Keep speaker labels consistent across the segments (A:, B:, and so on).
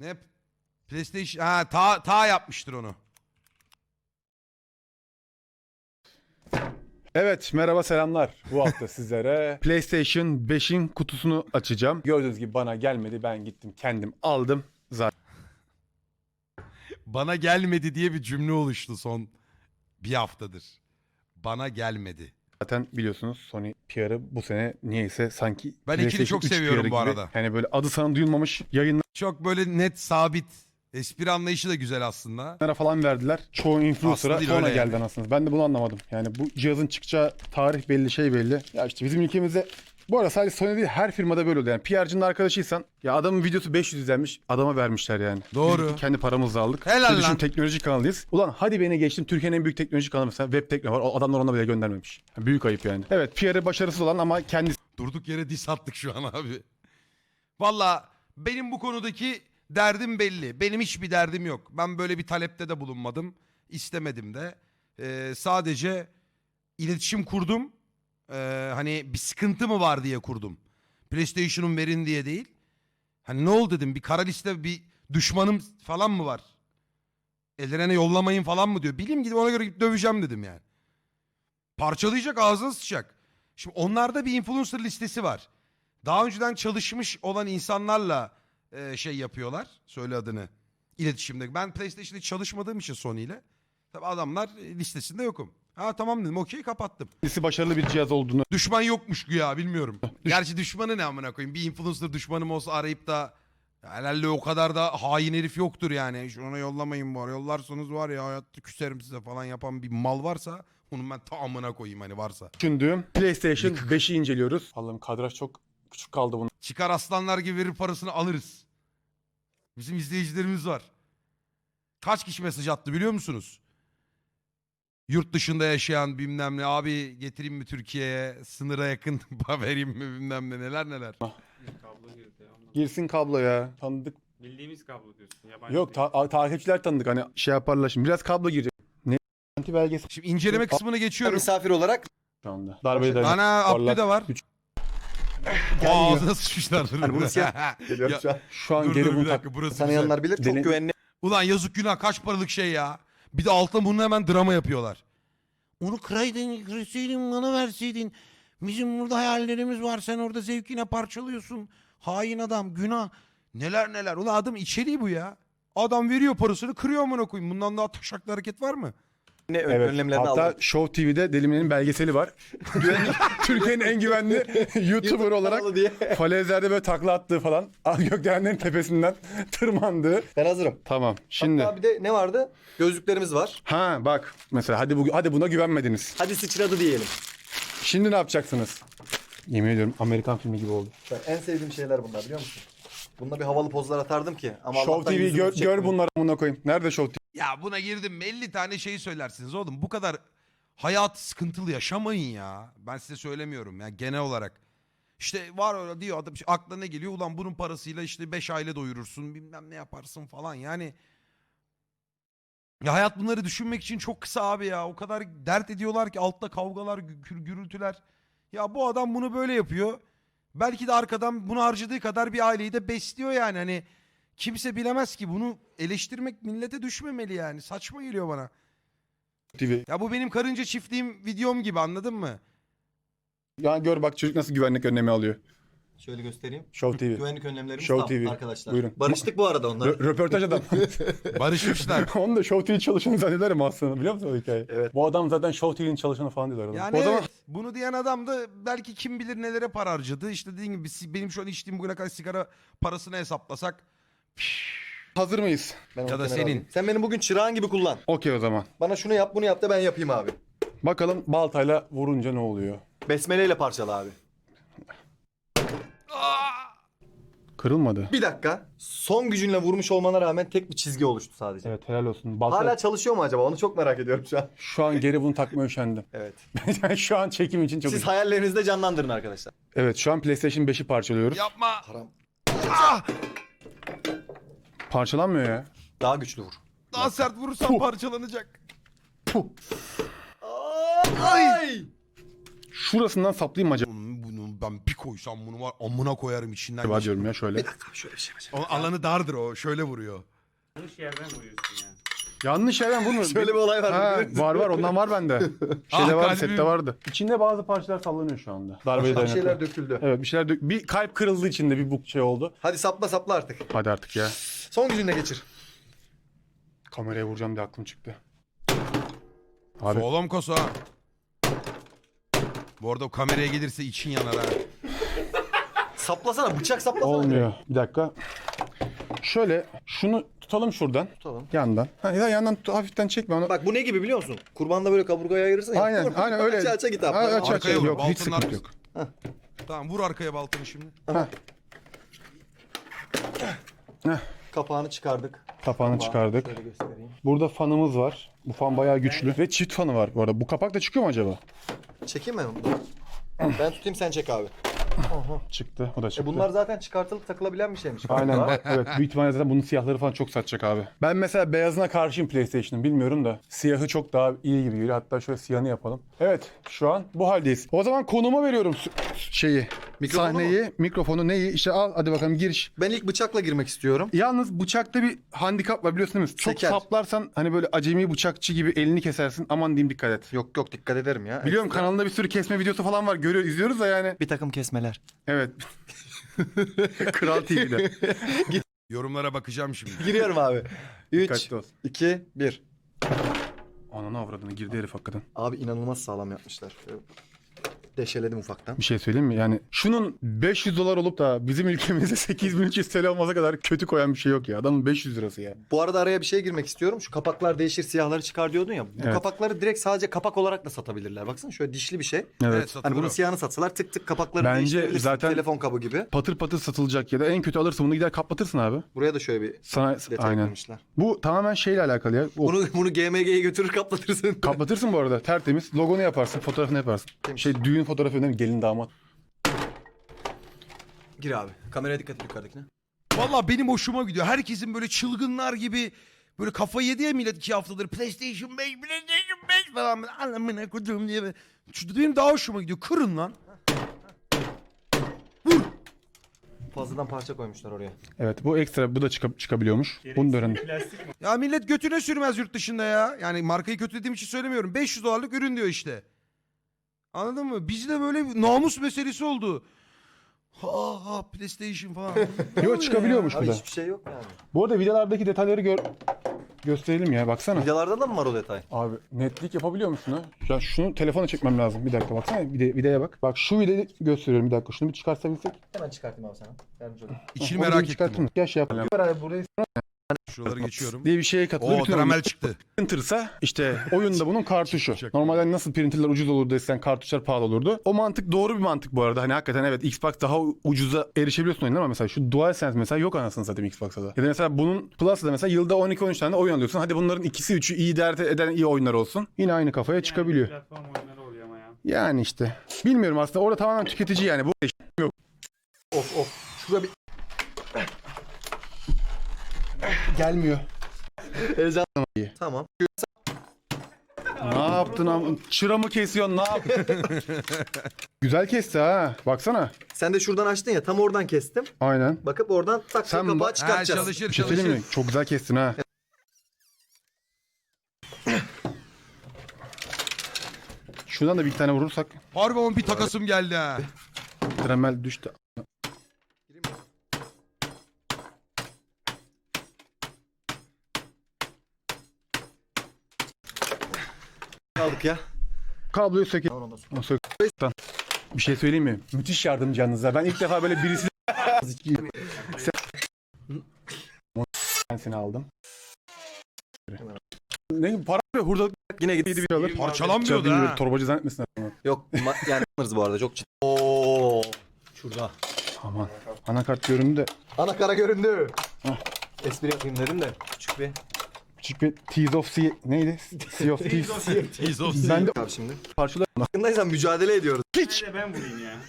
A: Ne? PlayStation... Ha ta yapmıştır onu.
B: Evet, merhaba selamlar. Bu hafta sizlere PlayStation 5'in kutusunu açacağım. Gördüğünüz gibi bana gelmedi. Ben gittim kendim aldım.
A: Bana gelmedi diye bir cümle oluştu son bir haftadır. Bana gelmedi.
B: Zaten biliyorsunuz Sony PR'ı bu sene niyeyse sanki
A: Ben ikili
B: PlayStation
A: çok
B: 3
A: seviyorum
B: PR'ı
A: bu
B: gibi.
A: arada.
B: Yani böyle adı sana duyulmamış yayınlara
A: Çok böyle net, sabit. Espri anlayışı da güzel aslında.
B: falan verdiler. Çoğu influencer'a
A: Aslında
B: sonra
A: öyle
B: geldi
A: yani.
B: anasınız. Ben de bunu anlamadım. Yani bu cihazın çıkacağı tarih belli, şey belli. Ya işte bizim ülkemizde bu arada sadece Sony değil her firmada böyle oluyor. Yani PR'cının arkadaşıysan ya adamın videosu 500 izlenmiş adama vermişler yani.
A: Doğru.
B: Biz kendi paramızla aldık.
A: Helal
B: Bir düşün,
A: lan.
B: teknoloji kanalıyız. Ulan hadi beni geçtim, Türkiye'nin en büyük teknoloji kanalı mesela Web Tekno var. O adamlar ona bile göndermemiş. Yani büyük ayıp yani. Evet, PR'ı başarısız olan ama kendisi
A: Durduk yere diss attık şu an abi. Valla benim bu konudaki derdim belli. Benim hiçbir derdim yok. Ben böyle bir talepte de bulunmadım. İstemedim de. Sadece iletişim kurdum. Hani bir sıkıntı mı var diye kurdum. PlayStation'un verin diye değil. Hani ne oldu dedim, bir kara liste, bir düşmanım falan mı var? Ellerine yollamayın falan mı diyor. Bileyim, gidip ona göre gidip döveceğim dedim yani. Parçalayacak, ağzına sıçacak. Şimdi onlarda bir influencer listesi var. Daha önceden çalışmış olan insanlarla şey yapıyorlar. Söyle adını. İletişimde. Ben PlayStation'da hiç çalışmadığım için Sony ile. Tabii adamlar listesinde yokum. Ha tamam dedim, okey, kapattım.
B: başarılı bir cihaz olduğunu
A: Düşman yokmuş güya, bilmiyorum. Gerçi düşmanı ne amına koyayım. Bir influencer düşmanım olsa arayıp da herhalde o kadar da hain herif yoktur yani. Şuna yollamayın bu ara. Yollarsanız var ya hayatta küserim size falan yapan bir mal varsa onun ben ta amına koyayım hani varsa.
B: düşündüğüm PlayStation 5'i inceliyoruz. Allah'ım kadraj çok küçük kaldı bunun.
A: Çıkar aslanlar gibi verir parasını alırız. Bizim izleyicilerimiz var. Kaç kişi mesaj attı biliyor musunuz? Yurt dışında yaşayan bilmem ne, abi getireyim mi Türkiye'ye, sınıra yakın vereyim mi bilmem ne, neler neler.
C: Bir kablo girdi ya.
B: Girsin kablo ya. Tanıdık.
C: Bildiğimiz kablo diyorsun. Yabancı
B: Yok
C: değil.
B: takipçiler tanıdık, hani şey yaparlar şimdi. Biraz kablo girecek. Ne? Anti belgesi
A: Şimdi inceleme kısmına geçiyorum.
D: Misafir olarak
B: şu anda. Darbeyi de
A: Ana Abdü de var. Ağzına sıçmışlardır.
D: Hani bunu geliyorum
A: Ya,
D: şu an.
B: şu an
A: dur
B: geri
A: dur bir
B: bunu
A: dakika, burası güzel.
D: Tanıyanlar bilir. Çok
B: Dene-
D: güvenli.
A: Ulan yazık günah, kaç paralık şey ya. Bir de altına bunu hemen drama yapıyorlar. Onu kırsaydın bana verseydin. Bizim burada hayallerimiz var, sen orada zevkine parçalıyorsun. Hain adam, günah. Neler neler. Ulan adam içeriği bu ya. Adam veriyor parasını, kırıyor amına koyayım. Bundan daha taşaklı hareket var mı?
D: Evet,
B: Evet.
D: önlemlerini
B: Hatta
D: aldık.
B: Show TV'de Delimine'nin belgeseli var. Türkiye'nin en güvenli YouTuber olarak
D: kanalı diye.
B: falezlerde böyle takla attığı falan. Gökdelenlerin tepesinden tırmandığı.
D: Ben hazırım.
B: Tamam. Şimdi
D: Hatta bir de ne vardı? Gözlüklerimiz var.
B: bak mesela hadi buna güvenmediniz.
D: Hadi sıçradı diyelim.
B: Şimdi ne yapacaksınız? Yemin ediyorum Amerikan filmi gibi oldu.
D: Ben en sevdiğim şeyler bunlar, biliyor musun? Bununla bir havalı pozlar atardım ki. Ama
B: Show
D: Allah'tan
B: TV
D: yüzümüz
B: gör
D: çekmiyor.
B: bunları amına koyayım. Nerede Show TV?
A: Ya buna girdim mi 50 tane şey söylersiniz oğlum. Bu kadar hayat sıkıntılı yaşamayın ya. Ben size söylemiyorum ya, genel olarak. İşte var öyle diyor adam, işte aklına ne geliyor? Ulan bunun parasıyla işte 5 aile doyurursun, bilmem ne yaparsın falan yani. Ya hayat bunları düşünmek için çok kısa abi ya. O kadar dert ediyorlar ki, altta kavgalar, gürültüler. Ya bu adam bunu böyle yapıyor. Belki de arkadan bunu harcadığı kadar bir aileyi de besliyor yani. Hani kimse bilemez ki, bunu eleştirmek millete düşmemeli yani. Saçma geliyor bana.
B: TV.
A: Ya bu benim karınca çiftliğim videom gibi, anladın mı?
B: Ya gör bak çocuk nasıl güvenlik önlemi alıyor.
D: Şöyle göstereyim.
B: Show TV.
D: Güvenlik önlemlerimiz
B: Show
D: tam
B: TV.
D: arkadaşlar.
B: Buyurun.
D: Barıştık bu arada onlar.
B: Röportaj adam.
A: Barışmışlar.
B: Onu da Show TV çalışanı zannederim aslında, biliyor musun o hikayeyi?
D: Evet.
B: Bu adam zaten Show TV'nin çalışanı falan diyorlar.
A: Yani
B: O zaman
A: evet, bunu diyen adam da belki kim bilir nelere para harcadı. İşte dediğim gibi benim şu an içtiğim bugüne kadar sigara parasını hesaplasak.
B: hazır mıyız?
D: Ben
A: Ya
D: onu
A: da
D: kenara
A: senin.
D: alayım. Sen beni bugün çırağın gibi kullan.
B: Okey o zaman.
D: Bana şunu yap bunu yap da ben yapayım abi.
B: Bakalım baltayla vurunca ne oluyor?
D: Besmeleyle parçala abi.
B: Kırılmadı.
D: Bir dakika. Son gücünle vurmuş olmana rağmen tek bir çizgi oluştu sadece.
B: Evet, helal olsun. Balta...
D: Hala çalışıyor mu acaba? Onu çok merak ediyorum şu an.
B: Şu an geri bunu takmaya üşendim.
D: Evet.
B: Yani şu an çekim için çok...
D: Siz hayallerinizde canlandırın arkadaşlar.
B: Evet, şu an PlayStation 5'i parçalıyoruz.
A: Yapma.
D: Haram.
A: Ah!
B: Parçalanmıyor ya.
D: Daha güçlü vur.
A: Daha sert vurursam parçalanacak.
B: Puh.
D: Ay!
B: Şurasından saplayayım mı acaba?
A: Bunu ben bir koydum. koysam bunu var amına koyarım içinden.
B: Var diyorum ya şöyle.
D: Bir dakika şöyle bir şey yapacağım.
A: O alanı dardır o. Şöyle vuruyor.
C: Yanlış yerden vuruyorsun ya.
B: Yanlış yerden vurmuyor.
D: Şöyle bir olay var.
B: Ha, var ondan var bende. Şeyde
A: Ah,
B: vardı,
A: kalbim.
B: sette vardı. İçinde bazı parçalar sallanıyor şu anda. Darbeye
D: Bir
B: dayanıklı.
D: şeyler döküldü.
B: Evet bir şeyler bir kalp kırıldı içinde bir bu şey oldu.
D: Hadi sapla artık.
B: Hadi artık ya.
D: Son gücünle geçir.
B: Kameraya vuracağım diye aklım çıktı. Abi
A: Sağlam kasa. Ha. Bu arada o kameraya gelirse için yanar ha.
D: Saplasana, bıçak saplasana.
B: olmuyor. Bir dakika. Şöyle şunu tutalım şuradan.
D: Tutalım.
B: Yandan. Ha, ya yandan hafiften çekme onu.
D: Bak bu ne gibi biliyor musun? Kurbanda böyle kaburgaya ayırırsın ya.
B: Aynen öyle.
D: Aça git abi.
B: Ha, aç
A: Arkaya vur,
B: yok hiç
A: baltanın
B: sıkıntı yok.
A: Tamam vur arkaya baltanı şimdi.
D: Kapağını çıkardık.
B: Kapağını çıkardık.
D: Şöyle göstereyim.
B: Burada fanımız var. Bu fan bayağı güçlü ve çift fanı var bu arada. Bu kapak da çıkıyor mu acaba?
D: Çekeyim mi? Ben tutayım, sen çek abi.
B: Çıktı. O da çıktı.
D: Bunlar zaten çıkartılıp takılabilen bir şeymiş.
B: Aynen. Evet. Büyük ihtimalle zaten bunun siyahları falan çok satacak abi. Ben mesela beyazına karşıyım PlayStation'ın. Bilmiyorum da. Siyahı çok daha iyi gibi geliyor. Hatta şöyle siyahını yapalım. Evet. Şu an bu haldeyiz. O zaman konuma veriyorum şeyi.
D: Mikrofonu
B: Sahneyi, mikrofonu neyi? İşte al hadi bakalım giriş.
D: Ben ilk bıçakla girmek istiyorum.
B: Yalnız bıçakta bir handikap var biliyorsun değil mi? Çok
D: Seker.
B: saplarsan hani böyle acemi bıçakçı gibi elini kesersin. Aman diyeyim dikkat et.
D: Yok dikkat ederim ya.
B: Biliyorum kanalında bir sürü kesme videosu falan var. İzliyoruz da yani.
D: Bir takım kesmeler.
B: Evet. Kral TV'de.
A: Yorumlara bakacağım şimdi.
D: Giriyorum abi. 3,
B: Dikkatli ol.
D: 2, 1.
B: Ananı avradını girdi herif hakikaten.
D: Abi inanılmaz sağlam yapmışlar. Deşeledim ufaktan.
B: Bir şey söyleyeyim mi? Yani şunun 500 dolar olup da bizim ülkemizde 8300 TL olmasa kadar kötü koyan bir şey yok ya. Adamın 500 lirası ya.
D: Bu arada araya bir şey girmek istiyorum. Şu kapaklar değişir, siyahları çıkar diyordun ya. Bu
B: Evet.
D: kapakları direkt sadece kapak olarak da satabilirler. Baksana şöyle dişli bir şey.
B: Evet.
A: satılır
D: Hani bunun
A: o.
D: siyahını satsalar tık tık kapakları
B: Bence
D: değiştirebilirsin.
B: zaten-
D: Telefon kabı gibi.
B: Patır patır satılacak ya da en kötü alırsın bunu gider kaplatırsın abi.
D: Buraya da şöyle bir
B: Sana
D: detay
B: aynen.
D: koymuşlar.
B: Bu tamamen şeyle alakalı ya. O,
D: Bunu GMG'ye götürür kaplatırsın.
B: kaplatırsın bu arada tertemiz. Logonu yaparsın, fotoğrafını yaparsın.
D: Temiz.
B: Şey düğün fotoğrafı önemli, gelin damat.
D: Gir abi. Kameraya dikkat et yukarıdakine.
A: Valla benim hoşuma gidiyor. Herkesin böyle çılgınlar gibi böyle kafayı yedi ya millet 2 haftadır. PlayStation 5 falan. Anlamına koyduğum diye. Benim daha hoşuma gidiyor. Kırın lan.
D: Fazladan parça koymuşlar oraya.
B: Evet bu ekstra bu da çıkabiliyormuş. Bunu da öğrendim.
C: Plastik mi?
A: Ya millet götüne sürmez yurt dışında ya. Yani markayı kötülediğim için söylemiyorum. 500 dolarlık ürün diyor işte. Anladın mı? Bizde böyle bir namus meselesi oldu. Ha PlayStation falan.
B: Yok çıkabiliyormuş bu
D: Abi
B: da.
D: hiçbir şey yok yani.
B: Bu arada videolardaki detayları gösterelim ya baksana.
D: Videolarda da mı var o detay?
B: Abi netlik yapabiliyor musun ha? Ya şunu telefona çekmem lazım. Bir dakika baksana videoya bak. Bak şu videoyu gösteriyorum bir dakika. Şunu bir çıkartabilsek.
D: Hemen çıkartayım abi sana. Yardımcı olayım.
A: İçini
B: O
A: merak
B: videoyu
A: ettim.
B: çıkartın. Gel şey yapalım. Abi burayı
A: Şuraları geçiyorum.
B: diye bir şeye katılıyor.
A: Oo
B: Bütün
A: tramel çıktı.
B: printer'sa işte oyunda bunun kartuşu.
A: Çok
B: Normalde nasıl printer'lar ucuz olurdu desen kartuşlar pahalı olurdu. O mantık doğru bir mantık bu arada. Hani hakikaten evet Xbox daha ucuza erişebiliyorsun oyunlara ama mesela şu DualSense mesela yok anasını satayım Xbox'ta da. Ya da mesela bunun Plus'ta da mesela yılda 12-13 tane oyun alıyorsun. Hadi bunların ikisi üçü iyi dert eden iyi oyunlar olsun. Yine aynı kafaya çıkabiliyor.
C: Platform oyunları oluyor ama ya.
B: Yani işte. Bilmiyorum aslında orada tamamen tüketici yani. Bu
D: Of. Şurada bir
B: gelmiyor.
D: heyecan. Tamam.
B: Ne yaptın am? Çıra mı kesiyorsun? Ne yap? Güzel kesti ha. Baksana.
D: Sen de şuradan açtın ya, tam oradan kestim.
B: Aynen.
D: Bakıp oradan tak
B: Sen
D: kapağı
B: bak-
D: çıkartacağız.
A: çalışır
B: Bir şey söyleyeyim mi? Çok güzel kestin ha. Şuradan da bir tane vurursak.
A: Harbi ama bir takasım geldi ha.
B: Dremel düştü.
D: Aldık ya.
B: Kabloyu sökelim.
D: Tamam, ondan sonra.
B: Onu sök. Bir şey söyleyeyim mi? Müthiş yardımcı yalnız ha. Ben ilk defa böyle birisi... Ben seni aldım. Ne para ve hurdalık
D: Yine git.
B: bir alır.
A: Parçalanmıyordu ha.
B: Torbacı zannetmesin adamı.
D: Yok yani alırız bu arada, çok ciddi. Oo. Şurada.
B: Aman. Anakart göründü de
D: Ana kara göründü.
B: Hah.
D: Espri yapayım dedim de küçük bir.
B: küçük bir Tease of Sea... Neydi? Sea of Thieves.
A: Tease of
B: Ben de
D: Abi şimdi.
B: parçalar...
D: Farkındaysan mücadele ediyoruz.
B: Piç!
C: Bir de ben vurayım ya.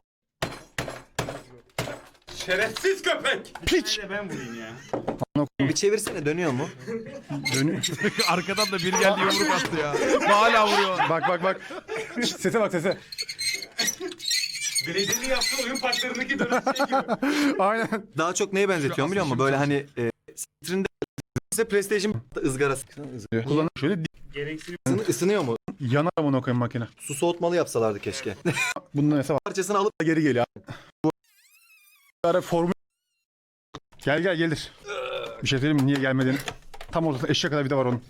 C: Şerefsiz köpek!
B: Piç!
C: Bir de ben vurayım ya.
D: Bir çevirsene, dönüyor mu?
B: Dönüyor.
A: Arkadan da biri geldi yumruk attı ya. Hala vuruyor.
B: Bak. Sese bak sese.
C: Belediyenin yaptığı oyun parklarındaki dönem şey gibi.
B: Aynen.
D: Daha çok neye benzetiyorum biliyor musun? Böyle hani stream'de ise PlayStation ızgarası.
B: Kullanır şöyle
C: Gereksiz.
D: Isınıyor mu?
B: yanar amına koyayım makine.
D: Su soğutmalı yapsalardı keşke.
B: Bunda mesela
D: Parçasını alıp
B: geri geliyor. Bu ara formül gel gelir. Bir şey söyleyeyim mi? Niye gelmediğini. Tam ortasında eşeğe kadar vida var onun.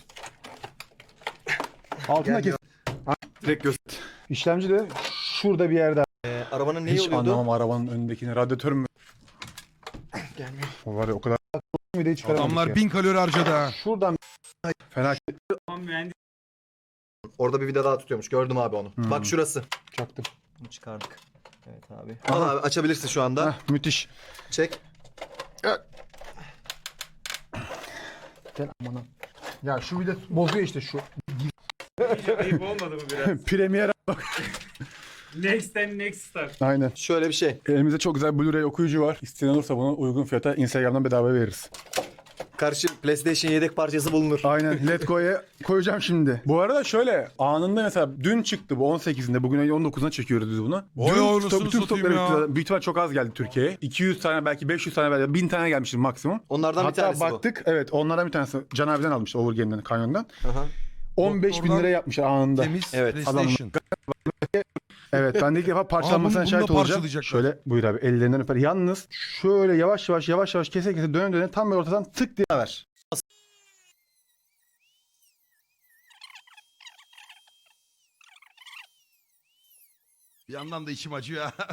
B: Altında kes.
D: direkt göster.
B: İşlemci de şurada bir yerde.
D: Arabanın neyi
B: Hiç
D: oluyordu?
B: anlamam arabanın önündekini. Radyatör mü?
D: Gelmiyor.
B: O var ya o kadar. Bir de hiç çıkaramadık
A: Adamlar
B: ya.
A: 1000 kalori harcadı ha.
B: Şuradan fena
C: Tamam mühendis.
D: Orada bir vida daha tutuyormuş. Gördüm abi onu. Bak şurası.
B: çaktım.
D: Bunu çıkardık. Evet abi. Al abi açabilirsin şu anda.
B: Heh, müthiş.
D: Çek.
B: Gel amına. Ya şu vida bozuyor işte şu.
C: Ayıp olmadı mı biraz?
B: Premier.
C: Next and next star.
B: Aynen.
D: Şöyle bir şey.
B: Elimizde çok güzel Blu-ray okuyucu var. İsteyen olursa bunu uygun fiyata Instagram'dan bedava veririz.
D: Karşı PlayStation yedek parçası bulunur.
B: Aynen. Let Go'ya koyacağım şimdi. Bu arada şöyle anında mesela dün çıktı bu 18'inde. Bugün 19'una çekiyoruz biz bunu.
A: Oy
B: Dün
A: anasını
B: bütün
A: satayım
B: stokları
A: ya.
B: bitti. Büyük ihtimal çok az geldi Türkiye'ye. 200 tane belki 500 tane belki 1000 tane gelmiştir maksimum.
D: Onlardan bir
B: Hatta
D: tanesi
B: baktık evet onlardan bir tanesi Can abiden almıştı Overgame'den Kanyon'dan.
D: bu. Aha.
B: 15 bin
A: Doktordan
B: liraya yapmışlar anında.
A: Temiz
D: Evet,
A: PlayStation.
B: Evet ben de ilk defa parçalanmasına
A: bunu da
B: şahit olacağım.
A: parçalayacaklar.
B: Şöyle buyur abi ellerinden öper. Yalnız şöyle yavaş yavaş kese döne tam böyle ortadan tık diye ver.
A: Bir yandan da içim acıyor ha.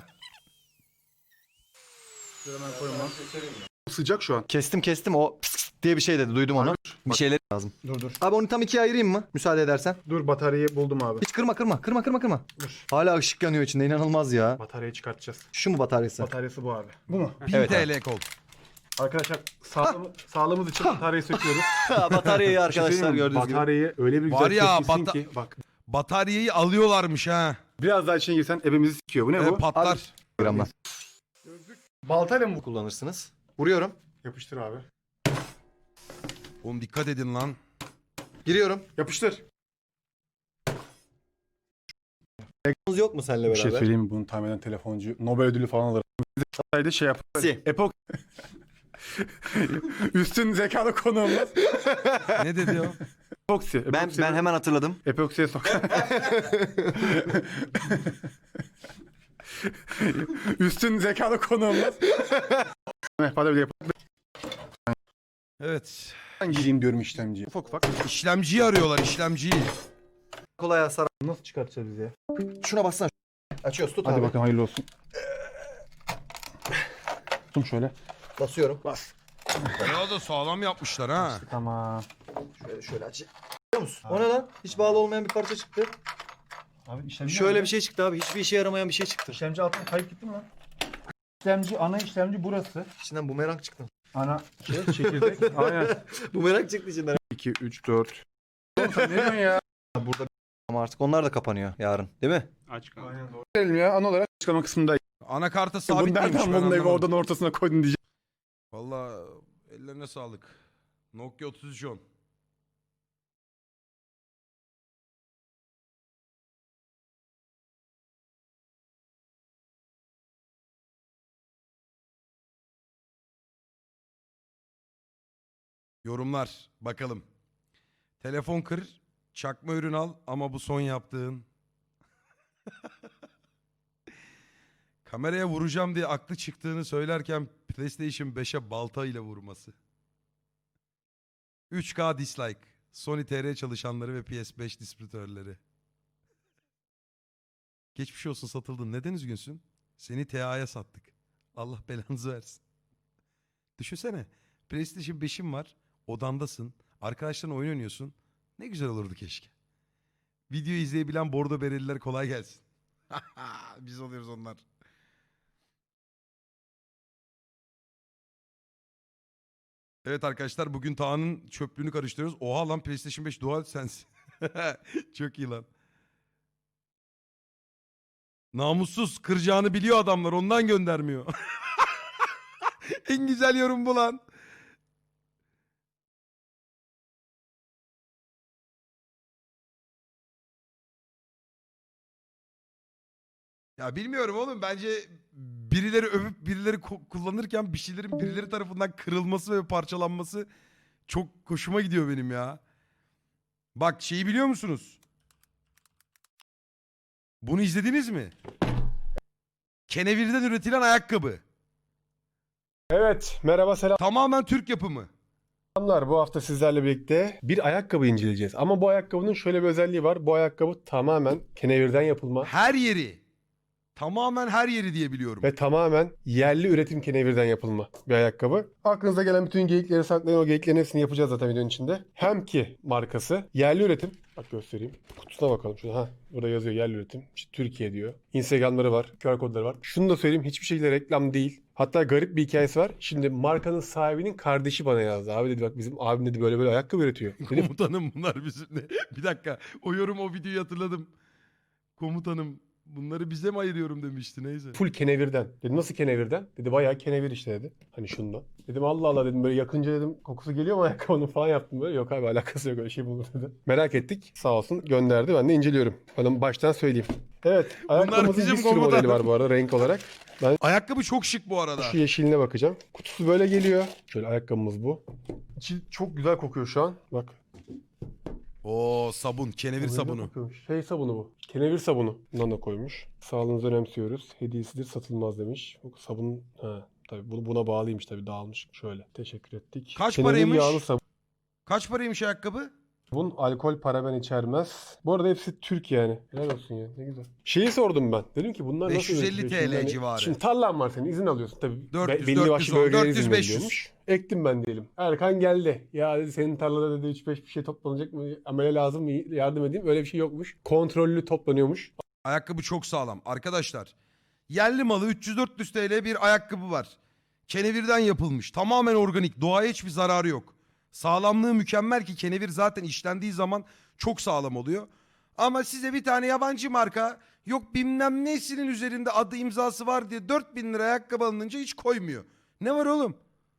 B: Sıcak şu an.
D: Kestim o pıs diye bir şey dedi. Duydum onu. Bir şeyler lazım.
B: Dur.
D: Abi onu tam ikiye ayırayım mı? Müsaade edersen.
B: Dur bataryayı buldum abi.
D: Hiç kırma.
B: Dur.
D: Hala ışık yanıyor içinde. İnanılmaz ya.
B: Bataryayı çıkartacağız.
D: Şu mu bataryası?
B: Bataryası bu abi. Bu mu?
A: 1000
D: Evet,
A: TL kol.
B: Arkadaşlar sağlığımız için bataryayı söküyoruz.
D: Bataryayı
B: Bir şey
D: arkadaşlar
B: söyleyeyim mi?
D: gördüğünüz gibi.
B: Bataryayı öyle bir güzel
A: Var ya,
B: kesmişsin ki bak.
A: Bataryayı alıyorlarmış ha.
B: Biraz daha içine girsen ebemizi sikiyor. Bu ne bu?
A: Patlar.
D: Gramdan.
B: Baltayla mı?
D: Kullanırsınız. Vuruyorum.
B: Yapıştır abi.
A: Oğlum dikkat edin lan.
D: Giriyorum.
B: Yapıştır.
D: Yok mu seninle
B: Bir şey
D: beraber?
B: söyleyeyim mi? Bunu tahmin eden telefoncu Nobel ödülü falan alır. Bize şey yapar.
D: Si.
B: Epok. Üstün zekalı konuğumuz.
A: Ne dedi o?
B: Epoksi.
D: Ben hemen hatırladım.
B: Epoksiye sok. Üstün zekalı konuğumuz. Hadi bir yapalım.
A: Evet.
B: Ben gireyim diyorum işlemciye. Ufak.
A: İşlemciyi arıyorlar, işlemciyi.
D: Kolay hasar.
B: Nasıl çıkartacağız biz ya?
D: Şuna bassana. Açıyoruz tut
B: Hadi
D: abi.
B: bakalım hayırlı olsun. Tuttum şöyle.
D: Basıyorum.
B: Bas.
A: Ya da sağlam yapmışlar ha.
B: Tamam.
D: Şöyle aç. Biliyor musun? O ne lan? Hiç bağlı olmayan bir parça çıktı.
B: Abi işlemci
D: Şöyle bir şey çıktı abi. Hiçbir işe yaramayan bir şey çıktı.
B: İşlemci altına kayıp gitti mi lan? İşlemci, ana işlemci burası.
D: İçinden bumerang çıktı.
B: Ana çekirdek. Aynen.
D: Bumerang çıktı içinden.
B: 2, 3, 4. Oğlum sen ne diyorsun ya?
D: Burada ama artık onlar da kapanıyor yarın. Değil mi?
C: Aç kaldı.
B: Aynen doğru. Gelelim ya ana olarak açıklama kısmında.
A: Anakarta
B: Bunu
A: sabit miymiş
B: nereden
A: ben
B: buldun evi
A: anlamadım.
B: oradan ortasına koydun diyeceğim.
A: Valla ellerine sağlık. Nokia 3310. Yorumlar bakalım. Telefon kır, çakma ürün al ama bu son yaptığın. Kameraya vuracağım diye aklı çıktığını söylerken PlayStation 5'e balta ile vurması. 3K dislike. Sony TR çalışanları ve PS5 distribütörleri. Geçmiş olsun satıldın. Neden üzgünsün? Seni TA'ya sattık. Allah belanızı versin. Düşünsene. PlayStation 5'in var. Odandasın. Arkadaşlarınla oyun oynuyorsun. Ne güzel olurdu keşke. Video izleyebilen bordo bereliler kolay gelsin. Biz oluyoruz onlar. Evet arkadaşlar bugün Taha'nın çöplüğünü karıştırıyoruz. Oha lan PlayStation 5 DualSense. Çok iyi lan. Namussuz kıracağını biliyor adamlar ondan göndermiyor. En güzel yorum bu lan. Ya bilmiyorum oğlum, bence birileri övüp birileri kullanırken bir şeylerin birileri tarafından kırılması ve parçalanması çok hoşuma gidiyor benim ya. Bak şeyi biliyor musunuz? Bunu izlediniz mi? Kenevirden üretilen ayakkabı.
B: Evet, merhaba
A: Tamamen Türk yapımı.
B: selamlar. Bu hafta sizlerle birlikte bir ayakkabı inceleyeceğiz. Ama bu ayakkabının şöyle bir özelliği var. Bu ayakkabı tamamen kenevirden yapılma
A: Her yeri. Tamamen her yeri diye biliyorum.
B: ve tamamen yerli üretim kenevirden yapılma bir ayakkabı. Aklınıza gelen bütün geyikleri saklayın. O geyiklerin hepsini yapacağız zaten videonun içinde. Hem ki markası yerli üretim. Bak göstereyim. Kutusuna bakalım. Şurada, burada yazıyor yerli üretim. İşte Türkiye diyor. Instagram'ları var. QR kodları var. Şunu da söyleyeyim. Hiçbir şekilde reklam değil. Hatta garip bir hikayesi var. Şimdi markanın sahibinin kardeşi bana yazdı. Abi dedi bak bizim abim dedi böyle böyle ayakkabı üretiyor. Dedim
A: Komutanım bunlar bizimle. Bir dakika. O videoyu hatırladım. Komutanım bunları bize mi ayırıyorum demişti, neyse.
B: full kenevirden. Dedim nasıl kenevirden? Dedi bayağı kenevir işte dedi. Hani şundan. Dedim Allah Allah dedim böyle yakınca dedim kokusu geliyor mu ayakkabının falan yaptım böyle. Yok abi alakası yok öyle şey bulur dedi. Merak ettik. Sağ olsun gönderdi. Ben de inceliyorum. Bana baştan söyleyeyim. Evet. Ayakkabımızın
A: bizim
B: bir sürü
A: komutan.
B: modeli var bu arada renk olarak. Ben
A: Ayakkabı çok şık bu arada.
B: şu yeşiline bakacağım. Kutusu böyle geliyor. Şöyle ayakkabımız bu. İçi çok güzel kokuyor şu an. Bak.
A: Oo sabun, kenevir
B: Öyle
A: sabunu.
B: kokuyormuş. Şey sabunu bu. Kenevir sabunu. Bundan da koymuş. Sağlığınızı önemsiyoruz. Hediyesidir satılmaz demiş. Bu sabun tabii buna bağlıymış tabii dağılmış. Şöyle. Teşekkür ettik.
A: Kaç
B: Kenevir
A: paraymış?
B: yağlı
A: Kaç paraymış ayakkabı?
B: sabun. Alkol paraben içermez. Bu arada hepsi Türk yani. Helal olsun ya. Ne güzel. Şeyi sordum ben. Dedim ki bunlar nasıl
A: 550
B: üretiliyor? Şimdi
A: TL
B: hani-
A: civarı.
B: Şimdi tarlan var senin izin alıyorsun tabii.
A: 400,
B: belli başlı
A: 410,
B: bölgelere
A: 400,
B: izin
A: 500.
B: veriliyormuş. Ektim ben diyelim. Erkan geldi. Ya dedi senin tarlada dedi 3-5 bir şey toplanacak mı? Amele lazım mı? Yardım edeyim. Öyle bir şey yokmuş. Kontrollü toplanıyormuş.
A: Ayakkabı çok sağlam. Arkadaşlar yerli malı 300-400 TL bir ayakkabı var. Kenevirden yapılmış. Tamamen organik. Doğaya hiçbir zararı yok. Sağlamlığı mükemmel ki kenevir zaten işlendiği zaman çok sağlam oluyor. Ama size bir tane yabancı marka yok bilmem nesinin üzerinde adı imzası var diye 4.000 lira ayakkabı alınınca hiç koymuyor. Ne var oğlum?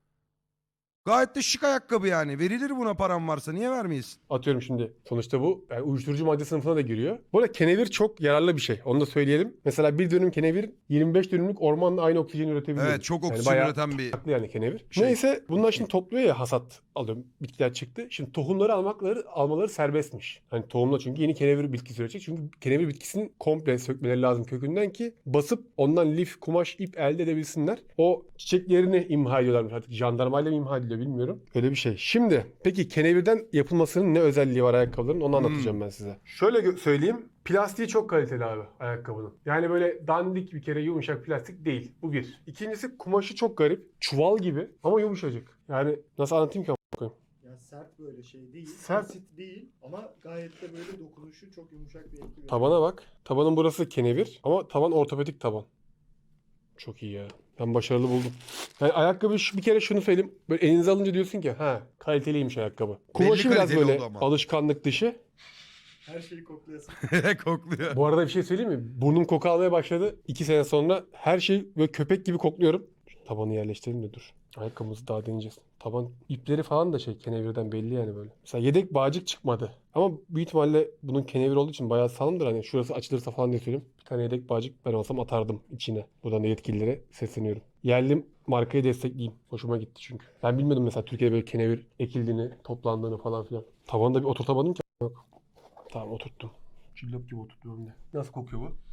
A: Gayet de şık ayakkabı yani. Verilir buna param varsa, niye vermeyiz?
B: Atıyorum şimdi. Sonuçta bu yani uyuşturucu madde sınıfına da giriyor. Bu arada kenevir çok yararlı bir şey. Onu da söyleyelim. Mesela bir dönüm kenevir 25 dönümlük ormanla aynı oksijeni üretebiliyor.
A: Evet, çok
B: Yani
A: oksijen
B: bayağı
A: üreten bir
B: farklı yani kenevir.
A: şey.
B: Neyse bunlar şimdi topluyor ya hasat alıyorum. Bitkiler çıktı. Şimdi tohumları almaları serbestmiş. Hani tohumla çünkü yeni kenevir bitkisi üretecek. Çünkü kenevir bitkisinin komple sökmeleri lazım kökünden ki basıp ondan lif, kumaş, ip elde edebilsinler. O çiçeklerini imha ediyorlarmış artık. Jandarmayla mı imha ediliyor bilmiyorum. Öyle bir şey. Şimdi peki kenevirden yapılmasının ne özelliği var ayakkabıların onu anlatacağım ben size. Şöyle söyleyeyim. Plastiği çok kaliteli abi ayakkabının. Yani böyle dandik bir kere yumuşak plastik değil. Bu bir. İkincisi kumaşı çok garip. Çuval gibi ama yumuşacık. Yani nasıl anlatayım ki?
E: Ya sert böyle şey değil.
B: Sert.
E: Basit değil ama gayet de böyle dokunuşu çok yumuşak bir etki veriyor.
B: Tabana bak. Tabanın burası kenevir ama taban ortopedik taban. Çok iyi ya. Ben başarılı buldum. Yani ayakkabı bir kere şunu söyleyeyim. Böyle elinize alınca diyorsun ki kaliteliymiş ayakkabı. Kumaşı biraz
A: kaliteli
B: böyle
A: oldu ama.
B: alışkanlık dışı.
E: Her şeyi koklayasın.
A: Kokluyor.
B: Bu arada bir şey söyleyeyim mi? Burnum koku almaya başladı. 2 sene sonra her şey böyle köpek gibi kokluyorum. Şu tabanı yerleştirelim de dur. Ayakkabımızı daha deneyeceğiz. Taban ipleri falan da kenevirden belli yani böyle. Mesela yedek bağcık çıkmadı. Ama büyük ihtimalle bunun kenevir olduğu için bayağı sağlamdır. Hani şurası açılırsa falan diye söyleyeyim. Bir tane yedek bağcık ben olsam atardım içine. Buradan da yetkililere sesleniyorum. Yerli markayı destekleyeyim. Hoşuma gitti çünkü. Ben bilmiyordum mesela Türkiye'de böyle kenevir ekildiğini, toplandığını falan filan. Tabanı da bir oturtamadım ki. Yok. Tamam oturttum. Cillop gibi oturtuyorum de. Nasıl kokuyor bu?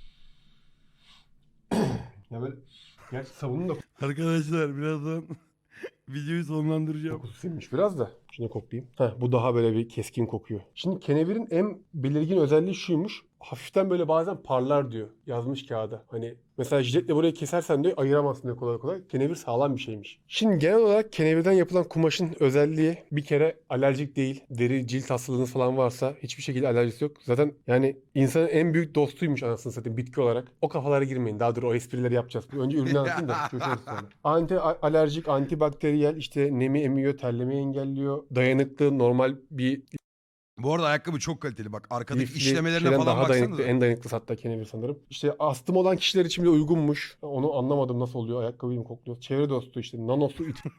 B: Ya böyle gerçi sabunun da
A: Arkadaşlar birazdan videoyu sonlandıracağım.
B: kokusu sinmiş biraz da. Şunu koklayayım. Bu daha böyle bir keskin kokuyor. Şimdi kenevirin en belirgin özelliği şuymuş. Hafiften böyle bazen parlar diyor. Yazmış kağıda. Hani mesela jiletle burayı kesersen diyor ayıramazsın diyor kolay kolay. Kenevir sağlam bir şeymiş. Şimdi genel olarak kenevirden yapılan kumaşın özelliği bir kere alerjik değil. Deri, cilt hastalığınız falan varsa hiçbir şekilde alerjisi yok. Zaten yani insanın en büyük dostuymuş anasını satayım bitki olarak. O kafalara girmeyin. Daha dur o esprileri yapacağız. Önce ürünü anlatayım da. Çözeriz sonra. Anti alerjik, antibakteriyel işte nemi emiyor, terlemeyi engelliyor. Dayanıklı, normal bir
A: Bu arada ayakkabı çok kaliteli. Bak arkadaki
B: lifli
A: işlemelerine
B: şeyden
A: falan
B: daha dayanıklı,
A: baksanıza.
B: en dayanıklısı hatta kenevir sanırım. İşte astım olan kişiler için bile uygunmuş. Onu anlamadım nasıl oluyor. Ayakkabıyı mı kokluyor? Çevre dostu işte nanosu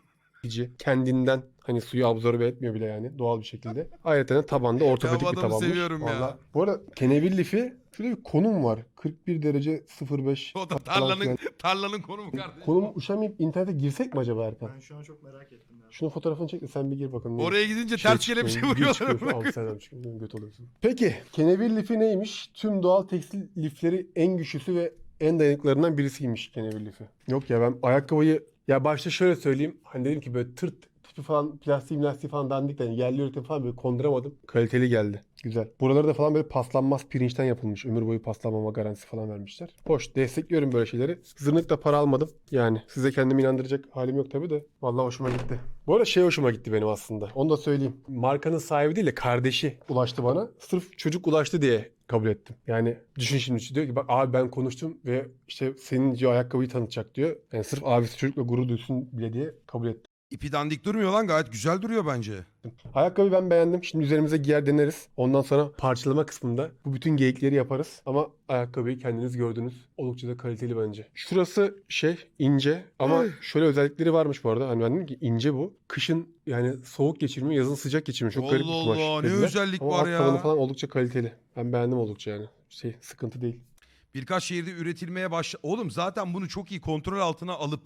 B: çekici. Kendinden hani suyu absorbe etmiyor bile yani doğal bir şekilde. Ayrıca tabanda ortopedik
A: Ya bu
B: bir
A: adamı
B: tabanmış.
A: seviyorum ya.
B: Vallahi. Bu arada kenevir lifi şurada bir konum var. 41 derece 05.
A: O da
B: falan filan.
A: tarlanın konumu kardeşim.
B: Konum uşamayıp internete girsek mi acaba Erkan?
E: Ben şu an çok merak ettim ya.
B: Şunun fotoğrafını çek de sen bir gir bakalım.
A: Oraya gidince
B: Şey
A: ters kelepçe
B: çıkıyor, bir
A: vuruyorlar.
B: çıkıyor, altı seneden çıkıyor, göt oluyorsun. Peki kenevir lifi neymiş? Tüm doğal tekstil lifleri en güçlüsü ve en dayanıklarından birisiymiş kenevir lifi. Yok ya ben ayakkabıyı ya başta şöyle söyleyeyim. Hani dedim ki böyle tırt tipi falan plastiği falan dandik de yani yerli üretim falan böyle konduramadım. Kaliteli geldi. Güzel. Buraları da falan böyle paslanmaz pirinçten yapılmış. Ömür boyu paslanmama garantisi falan vermişler. Hoş. Destekliyorum böyle şeyleri. Zırnıkla para almadım. Yani size kendimi inandıracak halim yok tabii de. Vallahi hoşuma gitti. Bu arada şey hoşuma gitti benim aslında. Onu da söyleyeyim. Markanın sahibi değil de kardeşi ulaştı bana. Sırf çocuk ulaştı diye kabul ettim. Yani düşün şimdi diyor ki bak abi ben konuştum ve işte senin diyor ayakkabıyı tanıtacak diyor. Yani sırf abisi çocukla gurur duysun bile diye kabul ettim.
A: İpi dandik durmuyor lan, gayet güzel duruyor bence.
B: Ayakkabıyı ben beğendim. Şimdi üzerimize giyer deneriz. Ondan sonra parçalama kısmında bu bütün geyikleri yaparız. Ama ayakkabıyı kendiniz gördünüz. Oldukça da kaliteli bence. Şurası ince ama şöyle özellikleri varmış bu arada. Hani ben dedim ki ince bu. Kışın yani soğuk geçirmiyor, yazın sıcak geçirmiyor. Çok garip bir
A: Allah
B: kumaş
A: Allah, ne
B: dediler.
A: özellik
B: Ama
A: var
B: alt
A: ya.
B: tabanı falan oldukça kaliteli. Ben beğendim oldukça yani. Sıkıntı değil.
A: Birkaç şehirde üretilmeye başladı. Oğlum zaten bunu çok iyi kontrol altına alıp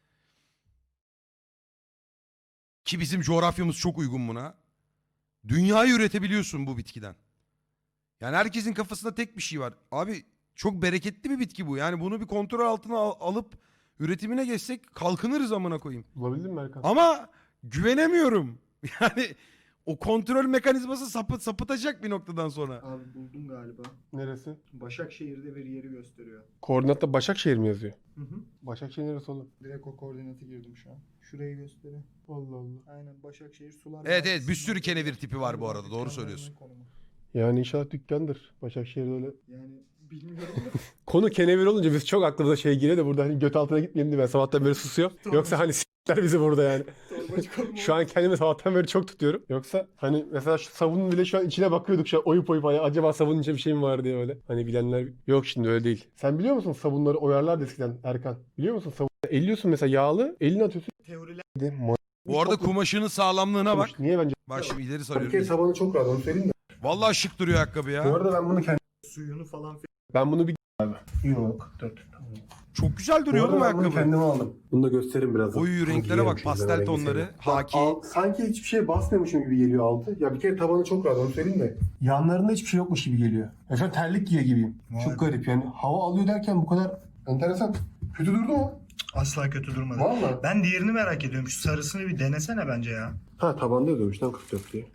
A: ki bizim coğrafyamız çok uygun buna. Dünyayı üretebiliyorsun bu bitkiden. Yani herkesin kafasında tek bir şey var. Abi çok bereketli bir bitki bu. Yani bunu bir kontrol altına alıp üretimine geçsek kalkınırız amına koyayım.
B: Bulabildin mi Erkan?
A: Ama güvenemiyorum. Yani o kontrol mekanizması sapıtacak bir noktadan sonra.
E: Abi buldum galiba.
B: Neresi?
E: Başakşehir'de bir yeri gösteriyor.
B: Koordinatta Başakşehir mi yazıyor?
E: Hı hı.
B: Başakşehir neresi oğlum?
E: Direkt o koordinatı girdim şu an. Şurayı gösteriyor.
B: Allah Allah.
E: Aynen Başakşehir Sular.
A: Evet,
E: Vadisi'nin
A: bir sürü
E: orada.
A: kenevir tipi var bu
E: Galiba
A: arada, doğru
E: dükkanlarının
A: söylüyorsun.
E: konumu.
B: Yani inşallah dükkandır. Başakşehir'de öyle.
E: Yani bilmiyorum da.
B: Konu kenevir olunca biz çok aklımıza geliyor da burada hani göt altına gitmeyelim diye ben sabahtan beri susuyorum.
E: Tamam.
B: Yoksa hani s**ler bizi burada yani.
E: Torbacı konumu.
B: Şu an kendimi sabahtan beri çok tutuyorum. Yoksa hani mesela şu sabunun bile şu an içine bakıyorduk şu an oyup hani acaba sabunun içinde bir şey mi var diye öyle. Hani bilenler yok, şimdi öyle değil. Sen biliyor musun sabunları oyarlardı eskiden Erkan? Biliyor musun sabun? Elliyorsun mesela yağlı, elini atıyorsun.
E: Teoriler.
A: Bu arada kumaşının sağlamlığına bak.
B: Niye bence?
A: Bak şimdi ileri
B: Bir kere
A: sarıyorum.
B: tabanı çok rahat onu söyleyeyim de.
A: Vallahi şık duruyor ayakkabı
B: Bu
A: ya.
B: arada ben bunu
E: Suyunu falan
B: ben bunu bir abi. Yok 44.
A: Çok güzel duruyor oğlum ayakkabı.
B: kendime aldım. Bunu da göstereyim birazdan.
A: Oyu renklere bak, pastel tonları, haki.
B: Sanki hiçbir şeye basmıyormuşum gibi geliyor altı. Ya bir kere tabanı çok rahat onu söyleyeyim de. Yanlarında hiçbir şey yokmuş gibi geliyor. Ya şu an terlik giyiyor gibiyim.
E: Vay
B: Çok
E: be.
B: garip yani. Hava alıyor derken bu kadar enteresan. Kötü durdu mu?
E: asla kötü durmadı.
B: Valla.
E: Ben diğerini merak ediyorum. Şu sarısını bir denesene bence ya.
B: Ha tabanda yazıyormuş lan 44 diye.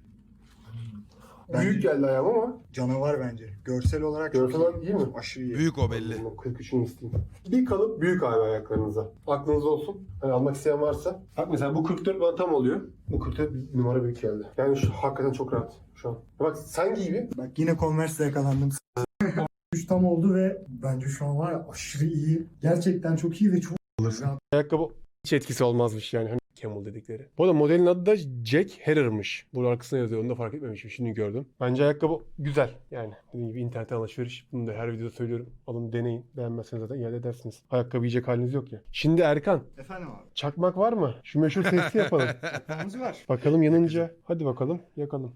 E: Bence
B: Büyük geldi ayağım ama.
E: canavar bence. Görsel olarak
B: Görsel
E: çok
B: olarak iyi mi?
E: Aşırı iyi.
A: Büyük o belli.
B: 43'ünü isteyeyim. Bir kalıp büyük abi ayaklarınıza. Aklınızda olsun. Hani almak isteyen varsa. Bak mesela bu 44 bana tam oluyor. Bu 44 bir numara büyük geldi. Yani şu hakikaten çok rahat şu an. Bak sen giy bir.
E: Bak yine Converse'de yakalandım. 3 tam oldu ve bence şu an var ya aşırı iyi. Gerçekten çok iyi ve çok rahat.
B: Ayakkabı hiç etkisi olmazmış yani. Hani Camel dedikleri. Bu arada modelin adı da Jack Herrer'mış. Bunun arkasına yazıyor. Onu da fark etmemişim. Şimdi gördüm. Bence ayakkabı güzel. Yani dediğim gibi internetten alışveriş. Bunu da her videoda söylüyorum. Alın deneyin. Beğenmezseniz zaten iade edersiniz. Ayakkabı yiyecek haliniz yok ya. Şimdi Erkan.
E: Efendim abi.
B: Çakmak var mı? Şu meşhur testi yapalım.
E: Çakmağımız var.
B: Bakalım yanınca. Hadi bakalım yakalım.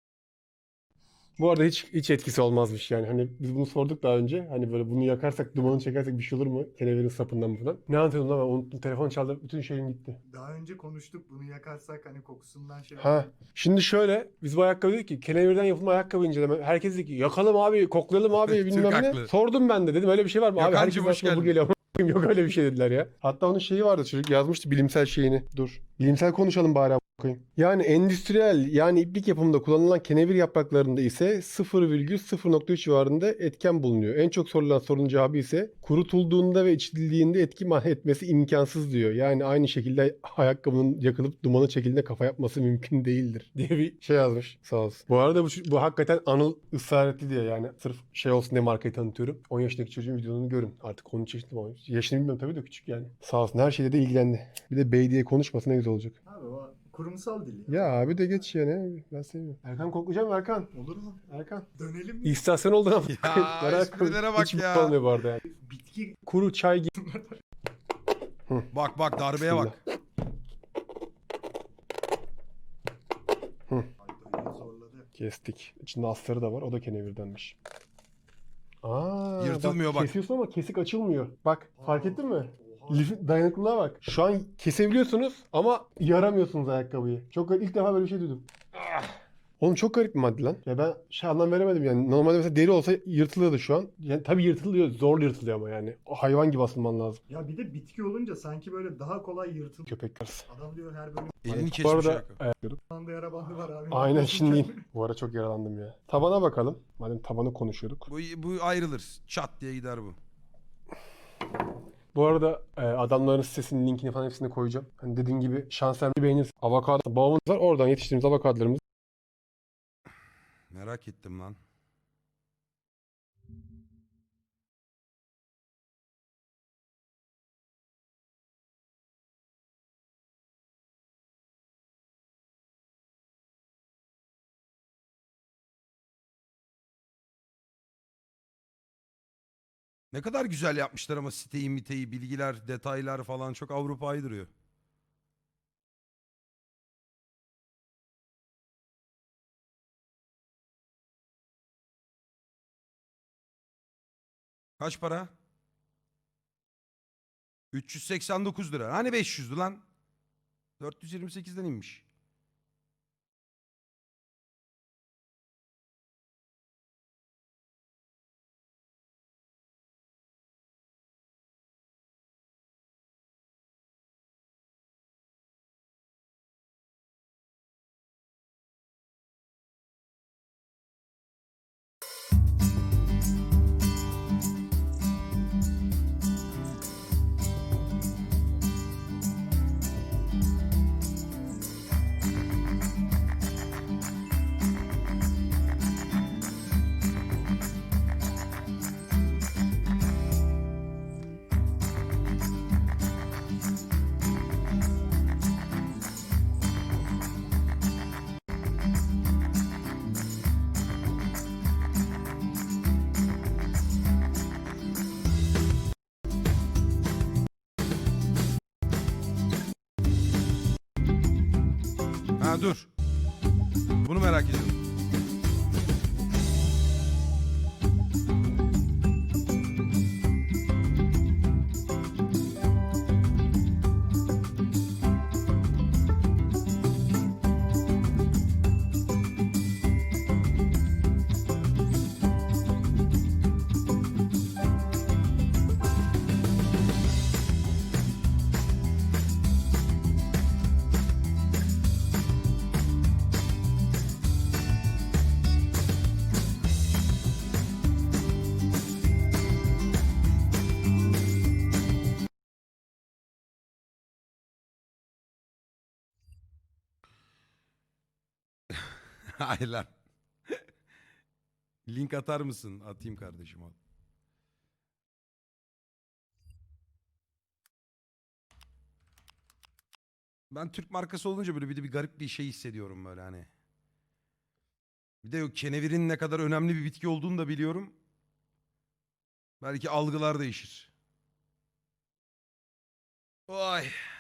B: Bu arada hiç etkisi olmazmış yani. Hani biz bunu sorduk daha önce. Hani böyle bunu yakarsak, dumanını çekersek bir şey olur mu? Kenevirin sapından mı falan. Ne anlatıyordum lan ben unuttum. Telefon çaldı. Bütün şeyim gitti.
E: Daha önce konuştuk bunu yakarsak hani kokusundan şey.
B: Ha. Şimdi şöyle. Biz bu ayakkabı dedik ki kenevirden yapılma ayakkabı inceleme. Herkes dedi ki yakalım abi, koklayalım abi
A: Türk
B: bilmem ne.
A: haklı.
B: Sordum ben de dedim öyle bir şey var mı? Abi
A: Gökhan'cığım,
B: herkes
A: hoş
B: aklına bu
A: geldin.
B: geliyor. Yok öyle bir şey dediler ya. Hatta onun şeyi vardı çocuk yazmıştı bilimsel şeyini. Dur. Bilimsel konuşalım bari koyayım. Yani endüstriyel yani iplik yapımında kullanılan kenevir yapraklarında ise 0,0.3 civarında etken bulunuyor. En çok sorulan sorunun cevabı ise kurutulduğunda ve içildiğinde etki etmesi imkansız diyor. Yani aynı şekilde ayakkabının yakılıp dumanı çekildiğinde kafa yapması mümkün değildir diye bir şey yazmış. Sağ olsun. Bu arada bu hakikaten Anıl ısrar etti diye yani sırf şey olsun diye markayı tanıtıyorum. 10 yaşındaki çocuğun videolarını görün. Artık 13 yaşında mı? Yaşını bilmiyorum tabii de küçük yani. Sağ olsun her şeyle de ilgilendi. Bir de bey diye konuşmasa ne güzel olacak.
E: Abi o kurumsal dil.
B: Ya abi de geç yani. Ben seviyorum. Erkan koklayacağım Erkan.
E: Olur mu?
B: Erkan.
E: Dönelim mi?
B: İstasyon oldu ama.
A: Ya, esprilere bak
B: Hiç
A: ya.
B: mutlu olmuyor bu arada yani.
E: Bitki
B: Kuru çay gibi.
A: Bak darbeye bak.
E: Zorladı.
B: Kestik. İçinde astarı da var. O da kenevirdenmiş. Aa,
A: Yırtılmıyor bak.
B: Kesiyorsun ama kesik açılmıyor. Bak fark ettin mi?
E: Oha.
B: Dayanıklılığa bak. Şu an kesebiliyorsunuz ama yaramıyorsunuz ayakkabıyı. Çok ilk defa böyle bir şey duydum. Oğlum çok garip bir madde lan. Ya ben anlam veremedim yani. Normalde mesela deri olsa yırtılıyordu şu an. Yani tabii yırtılıyor. Zor yırtılıyor ama yani. O hayvan gibi asılman lazım.
E: Ya bir de bitki olunca sanki böyle daha kolay yırtılıyor.
B: Köpekler.
E: Adam diyor her bölüm
A: Elini
B: Bu
A: kesmiş
B: arada
A: ayakkabı.
E: anda yara bandı var abi.
B: aynen şimdi. Bu ara çok yaralandım ya. Tabana bakalım. Madem tabanı konuşuyorduk.
A: Bu ayrılır. Çat diye gider bu.
B: Bu arada adamların sitesinin linkini falan hepsini koyacağım. Hani dediğin gibi şansen beğenirsin. Avokado bağımız var. Oradan yetiştirdiğimiz avokadolarımız.
A: Merak ettim lan. Ne kadar güzel yapmışlar ama siteyi, miteyi, bilgiler, detaylar falan çok Avrupa'yı duruyor. Kaç para? 389 lira. Hani 500'dü lan? 428'den inmiş. Ha dur. Bunu merak ediyorum. Hayır lan. Link atar mısın? Atayım kardeşim al. Ben Türk markası olunca böyle bir garip bir şey hissediyorum böyle hani. Bir de yok, kenevirin ne kadar önemli bir bitki olduğunu da biliyorum. Belki algılar değişir. Vay.